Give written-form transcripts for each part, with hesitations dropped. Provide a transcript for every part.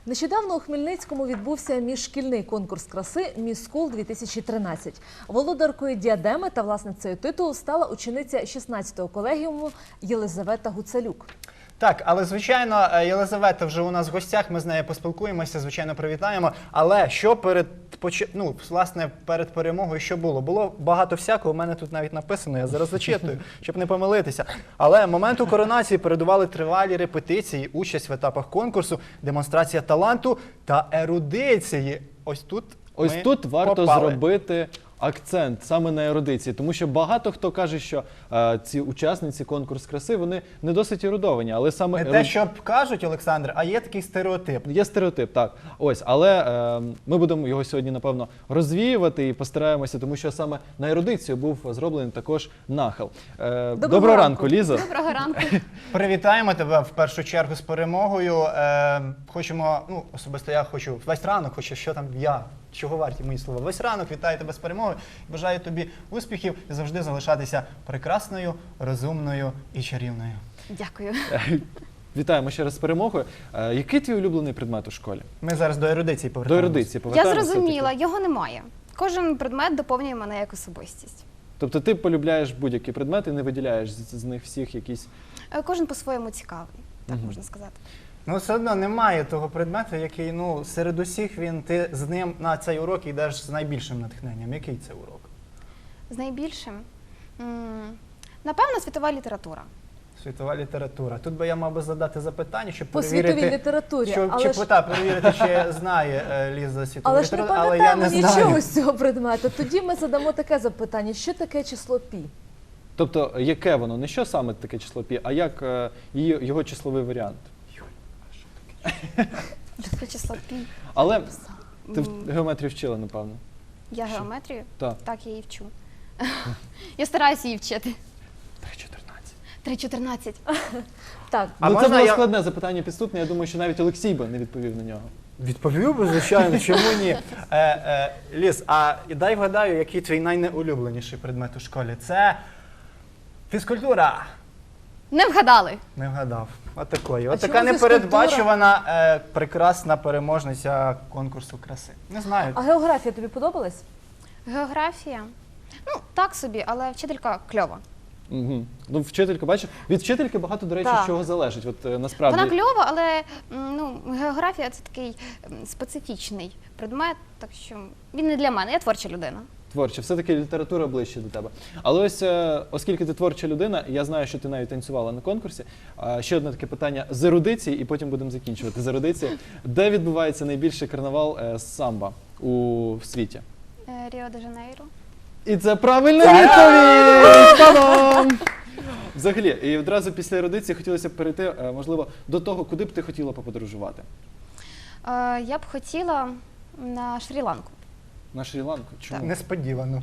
Нещодавно у Хмельницькому відбувся міжшкільний конкурс краси «Міс Скул-2013». Володаркою діадеми та власницею титулу стала учениця 16-го колегіуму Єлизавета Гуцалюк. Так, але, звичайно, Єлизавета вже у нас в гостях, ми з нею поспілкуємося, звичайно, привітаємо. Але що перед перемогою що було? Було багато всякого, у мене тут навіть написано, я зараз зачитую, щоб не помилитися. Але моменту коронації передували тривалі репетиції, участь в етапах конкурсу, демонстрація таланту та ерудиції. Ось тут варто зробити акцент саме на ерудиції, тому що багато хто каже, що ці учасниці конкурсу краси, вони не досить ерудовані, але саме не те, що кажуть, Олександр, а є такий стереотип. Є стереотип, так. Ось, але ми будемо його сьогодні, напевно, розвіювати і постараємося, тому що саме на ерудицію був зроблений також нахил. Доброго ранку, Лізо. Доброго ранку. Привітаємо тебе в першу чергу з перемогою. Хочемо, особисто я хочу, весь ранок хочу, що там чого варті мої слова. Весь ранок вітаю тебе з перемогою. Бажаю тобі успіхів і завжди залишатися прекрасною, розумною і чарівною. Дякую. Вітаємо ще раз з перемогою. Який твій улюблений предмет у школі? Ми зараз до ерудиції До повертаємося. ерудиції Я повертаємося. зрозуміла, його немає. Кожен предмет доповнює мене як особистість. Тобто ти полюбляєш будь-який предмет і не виділяєш з них всіх якісь... Кожен по-своєму цікавий, так можна сказати. Все одно немає того предмету, який, серед усіх ти з ним на цей урок йдеш з найбільшим натхненням. Який це урок? З найбільшим? Напевно, світова література. Світова література. Тут би я мав би задати запитання, щоб По перевірити, світовій літературі, перевірити, чи знає Ліза світову Але ж не літературу, але я не пам'ятаємо знаю. нічого з цього предмету. Тоді ми задамо таке запитання. Що таке число пі? Тобто, яке воно? Не що саме таке число пі, а як його числовий варіант? Що таке число пі? Але ти в геометрію вчила, напевно. Я геометрію? Так. Так, я її вчу. Я стараюся її вчити. 3.14. 3.14. Так. А Це можна було я- складне запитання підступне, я думаю, що навіть Олексій би не відповів на нього. Відповів би, звичайно, чому ні? Ліз, а дай вгадаю, який твій найнеулюбленіший предмет у школі? Це фізкультура. Не вгадали. Не вгадав. Отакої. А Отака чому непередбачувана, прекрасна переможниця конкурсу краси. Не знаю. А географія тобі подобалась? Географія? Так собі, але вчителька кльова. Угу. Ну, вчителька, бачиш, від вчительки багато, до речі, Так. чого залежить. От насправді. Вона кльова, але географія – це такий специфічний предмет, так що він не для мене, я творча людина. Творча, все-таки література ближче до тебе. Але ось, оскільки ти творча людина, я знаю, що ти навіть танцювала на конкурсі. Ще одне таке питання з ерудиції, і потім будемо закінчувати з ерудиції. Де відбувається найбільший карнавал самбо у світі? Ріо-де-Жанейро. І це правильна відповідь! Та-дам! Взагалі, і одразу після ерудиції хотілося б перейти, можливо, до того, куди б ти хотіла поподорожувати? Я б хотіла на Шрі-Ланку. На Шрі-Ланку? Чому? Несподівано.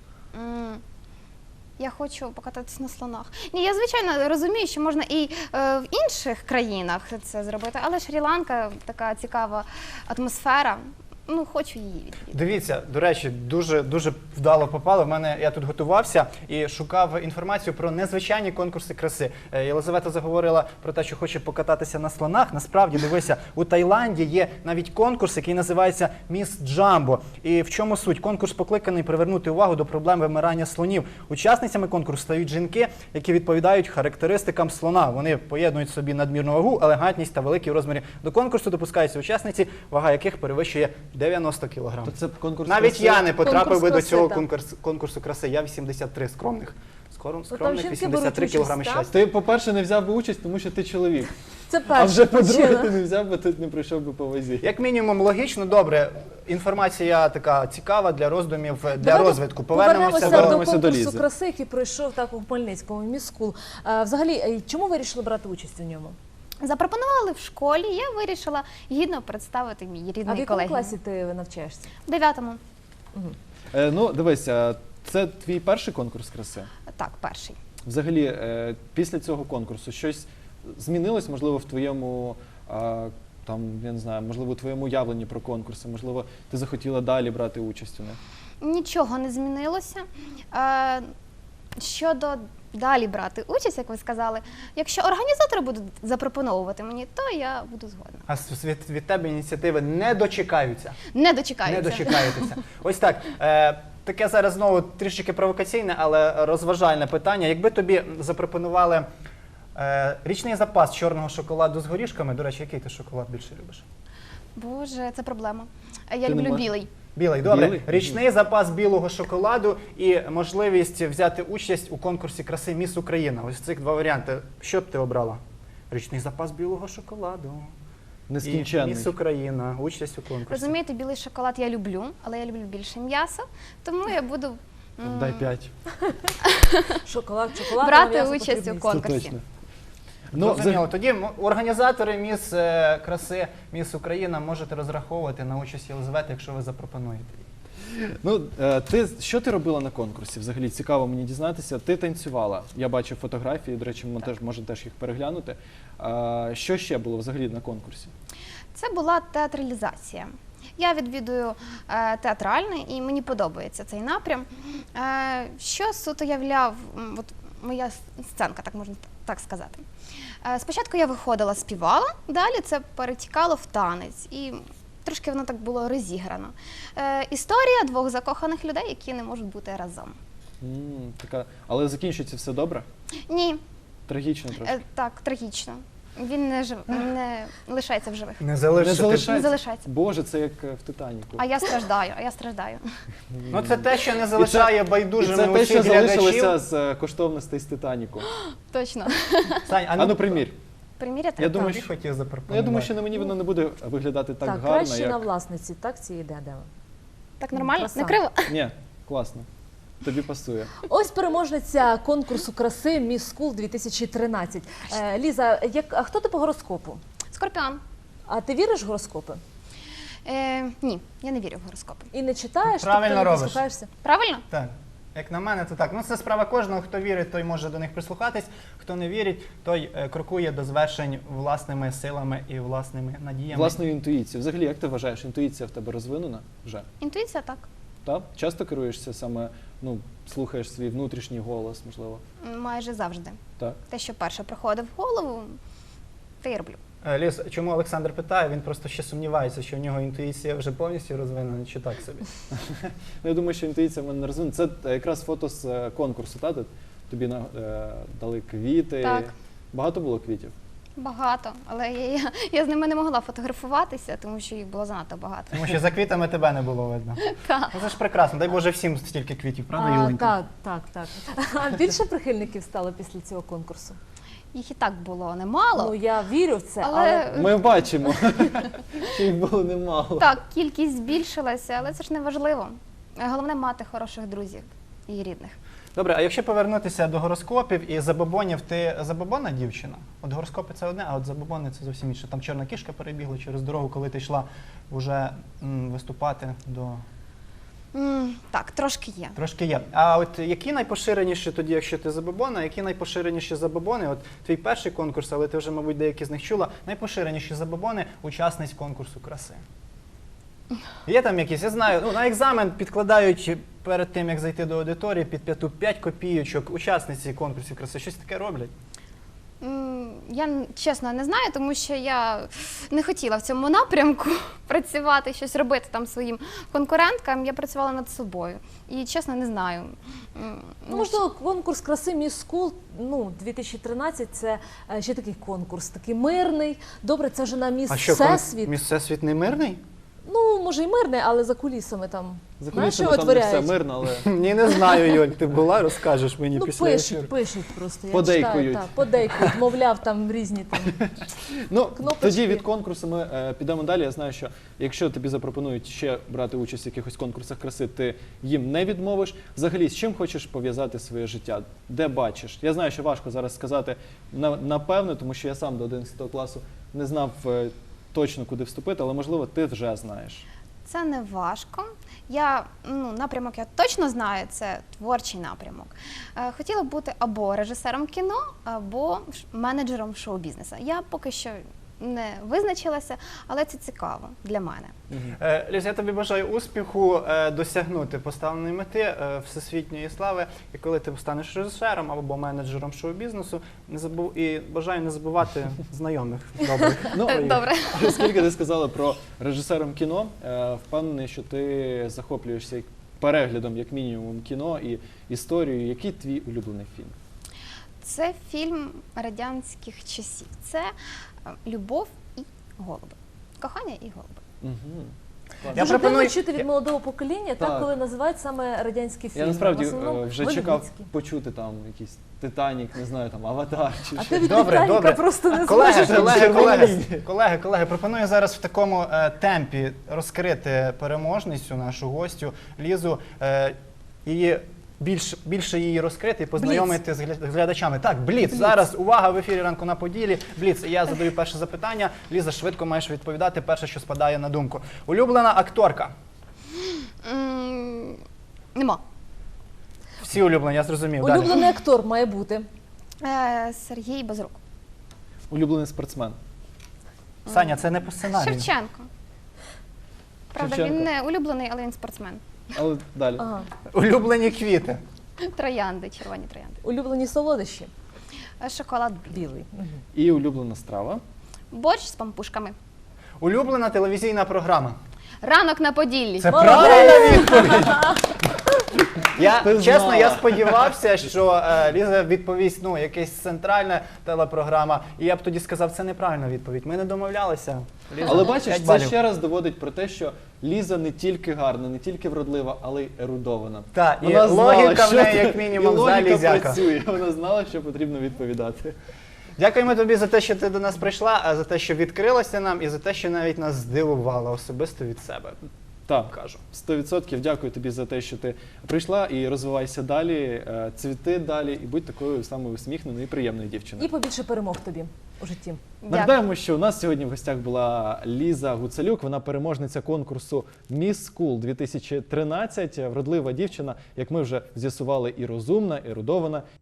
Я хочу покататися на слонах. Ні, я, звичайно, розумію, що можна і в інших країнах це зробити, але Шрі-Ланка – така цікава атмосфера. Хочу її відвідати. Дивіться, до речі, дуже вдало попало. Я тут готувався і шукав інформацію про незвичайні конкурси краси. Єлизавета заговорила про те, що хоче покататися на слонах. Насправді, дивися, у Таїланді є навіть конкурс, який називається «Міс Джамбо». І в чому суть? Конкурс покликаний привернути увагу до проблем вимирання слонів. Учасницями конкурсу стають жінки, які відповідають характеристикам слона. Вони поєднують в собі надмірну вагу, елегантність та великі розміри. До конкурсу допускаються учасниці, вага яких перевищує 90 кг. То це конкурс Навіть краси? я не потрапив би до Конкурс цього краси, конкурсу краси. Я 83 скромних. там Скромних жінки 83 беруть участь, кг так? щастя. Ти, по-перше, не взяв би участь, тому що ти чоловік. Це А перша вже по-друге, причина. ти не взяв би, ти не пройшов би по вазі. Як мінімум логічно, добре. Інформація така цікава для роздумів, для Давайте розвитку. Повернемося до Повернемося до конкурсу Лізи. краси, який пройшов так у Хмельницькому, «Міс Скул». Взагалі, чому ви вирішили брати участь у ньому? Запропонували в школі, я вирішила гідно представити мій А в рідний якому колегіум. класі ти навчаєшся? В 9-му. Дивись, це твій перший конкурс краси? Так, перший. Взагалі, після цього конкурсу щось змінилось, можливо, в твоєму, я не знаю, можливо, у твоєму уявленні про конкурси, можливо, ти захотіла далі брати участь у них? Нічого не змінилося. Щодо далі брати участь, як ви сказали, якщо організатори будуть запропоновувати мені, то я буду згодна. А від тебе ініціативи не дочекаються. Не дочекаюся. Не дочекаєтеся. Ось так. Таке зараз знову трішки провокаційне, але розважальне питання. Якби тобі запропонували річний запас чорного шоколаду з горішками, до речі, який ти шоколад більше любиш? Боже, це проблема. Я Ти не люблю можеш? білий. Білий, добре. Білий? Річний запас білого шоколаду і можливість взяти участь у конкурсі краси «Міс Україна». Ось цих два варіанти. Що б ти обрала? Річний запас білого шоколаду. І Нескінченний. «Міс Україна», участь у конкурсі. Розумієте, білий шоколад я люблю, але я люблю більше м'яса, тому я буду Дай 5. Шоколад, брати м'ясо участь у потрібно. конкурсі. Точно. Зрозуміло. Тоді організатори «Міс краси», «Міс Україна» можете розраховувати на участь Єлизавети, якщо ви запропонуєте її. Ну, що ти робила на конкурсі? Взагалі цікаво мені дізнатися. Ти танцювала. Я бачив фотографії, до речі, ми теж можемо теж їх переглянути. Що ще було взагалі на конкурсі? Це була театралізація. Я відвідую театральний і мені подобається цей напрям. Що суто являв от моя сценка, так можна так сказати. Спочатку я виходила, співала, далі це перетікало в танець. І трошки воно так було розіграно. Історія двох закоханих людей, які не можуть бути разом. Але закінчується все добре? Ні, Трагічно трошки? так, трагічно. Він не лишається в живих. Не залишиться. Не залишається. Боже, це як в «Титаніку». А я страждаю. Ну це те, що не залишає І байдужими це те, що усіх глядачів. залишилося з коштовностей з «Титаніку». Точно. Сань, А ну примір. Приміряти? Я думаю, Ти що- хотів запропонувати. Ну, я думаю, що на мені воно не буде виглядати так Так, гарно, краще на як... власниці, так, цієї діадеми. Так нормально? Краса. Не криво? Ні, класно. Тобі пасує. Ось переможниця конкурсу краси «Міс Скул 2013». Ліза, а хто ти по гороскопу? Скорпіон. А ти віриш в гороскопи? Ні, я не вірю в гороскопи. І не читаєш? Правильно тобто не робиш. прислухаєшся? Правильно? Так. Як на мене, то так. Ну це справа кожного. Хто вірить, той може до них прислухатись. Хто не вірить, той крокує до звершень власними силами і власними надіями. Власною інтуїцією. Взагалі, як ти вважаєш, інтуїція в тебе розвинена вже? Інтуїція так. Так? Часто керуєшся саме, слухаєш свій внутрішній голос, можливо? Майже завжди. Так. Те, що перше приходить в голову, те й роблю. Ліз, чому Олександр питає? Він просто ще сумнівається, що в нього інтуїція вже повністю розвинена, чи так собі. Ну, я думаю, що інтуїція в мене не розвинена. Це якраз фото з конкурсу, так? Де тобі дали квіти. Так. Багато було квітів? Багато, але я з ними не могла фотографуватися, тому що їх було занадто багато. Тому що за квітами тебе не було видно. Так. Ну це ж прекрасно. Дай Боже всім стільки квітів, правда, Юленька? Так. А більше прихильників стало після цього конкурсу? Їх і так було немало. Ну, я вірю в це, але... Але Ми бачимо, що їх було немало. так, кількість збільшилася, але це ж не важливо. Головне мати хороших друзів і рідних. Добре, а якщо повернутися до гороскопів і забобонів, ти забобонна дівчина? От гороскопи це одне, а от забобони це зовсім інше. Там чорна кішка перебігла через дорогу, коли ти йшла вже виступати до... Так, трошки є. Трошки є. А от які найпоширеніші тоді, якщо ти забобона, які найпоширеніші забобони? От твій перший конкурс, але ти вже, мабуть, деякі з них чула, найпоширеніші забобони учасниць конкурсу краси. Є там якісь, я знаю, на екзамен підкладають перед тим, як зайти до аудиторії, під 5 копійочок учасниці конкурсів краси. Щось таке роблять? Я чесно не знаю, тому що я не хотіла в цьому напрямку працювати, щось робити там своїм конкуренткам. Я працювала над собою. І чесно не знаю. Ну, можливо, конкурс краси «Міс Скул» 2013 – це ще такий конкурс, такий мирний. Добре, це вже на «Міс А що, Всесвіт». Міс Всесвіт не мирний? Ну, може і мирний, але за кулісами там, За знаєш, що кулісами там не все витворяють? мирно, але... Ні, не знаю, Юль, ти була, розкажеш мені Ну, після ефіру. пишуть просто. Я Подейкують. читаю, так, подейкують, мовляв, там різні там. Ну, Кнопочки. тоді від конкурсу ми підемо далі. Я знаю, що якщо тобі запропонують ще брати участь в якихось конкурсах краси, ти їм не відмовиш. Взагалі, з чим хочеш пов'язати своє життя? Де бачиш? Я знаю, що важко зараз сказати напевно, тому що я сам до 11 класу не знав точно, куди вступити, але, можливо, ти вже знаєш. Це не важко. Напрямок я точно знаю, це творчий напрямок. Хотіла б бути або режисером кіно, або менеджером шоу-бізнесу. Я поки що не визначилася, але це цікаво для мене. Ліз, я тобі бажаю успіху досягнути поставленої мети всесвітньої слави. І коли ти станеш режисером або менеджером шоу-бізнесу, і бажаю не забувати знайомих добрих. Ну, Добре. Оскільки ти сказала про режисером кіно, впевнений, що ти захоплюєшся переглядом, як мінімум, кіно і історією. Який твій улюблений фільм? Це фільм радянських часів. Це «Любов і голуби». Кохання і голуби. Угу. Я Дуже пропоную- дивно чути від молодого покоління, Так. коли називають саме радянські фільми. Я насправді В основному вже чекав голівудські. почути там якийсь «Титанік», не знаю, там «Аватар» чи А щось. ти від Добре, Титаніка добре. просто не Колеги, зможеш. колеги, пропоную зараз в такому темпі розкрити переможницю, нашу гостю Лізу, і більше її розкрити і познайомити з глядачами. Так, Бліц. Зараз, увага, в ефірі «Ранку на Поділі». Бліц. Я задаю перше запитання. Ліза, швидко маєш відповідати перше, що спадає на думку. Улюблена акторка? Нема. Всі улюблені, я зрозумів. Далі. Улюблений актор має бути. Сергій Безрук. Улюблений спортсмен. Саня, це не по сценарію. Шевченко. Правда, Шевченко. він не улюблений, але він спортсмен. Але далі. Ага. Улюблені квіти? Троянди, червоні троянди. Улюблені солодощі. Шоколад білий. Білий. Мгм. І улюблена страва. Борщ з пампушками. Улюблена телевізійна програма? Ранок на Поділлі. Це Молодець! правильна відповідь. Ти Чесно, знала. я сподівався, що Ліза відповість, якась центральна телепрограма, і я б тоді сказав, це неправильна відповідь. Ми не домовлялися. Ліза, Але бачиш, 5 це балів. ще раз доводить про те, що Ліза не тільки гарна, не тільки вродлива, але й ерудована. Так, і Вона знала, логіка в що неї, ти- як мінімум, і логіка залізяка. працює. Вона знала, що потрібно відповідати. Дякуємо тобі за те, що ти до нас прийшла, а за те, що відкрилася нам, і за те, що навіть нас здивувала особисто від себе. Так, Кажу. 100% дякую тобі за те, що ти прийшла і розвивайся далі, цвіти далі і будь такою самою усміхненою і приємною дівчиною. І побільше перемог тобі у житті. Дякую. Нагадаємо, що у нас сьогодні в гостях була Ліза Гуцалюк, вона переможниця конкурсу Miss School 2013, вродлива дівчина, як ми вже з'ясували, і розумна, і ерудована,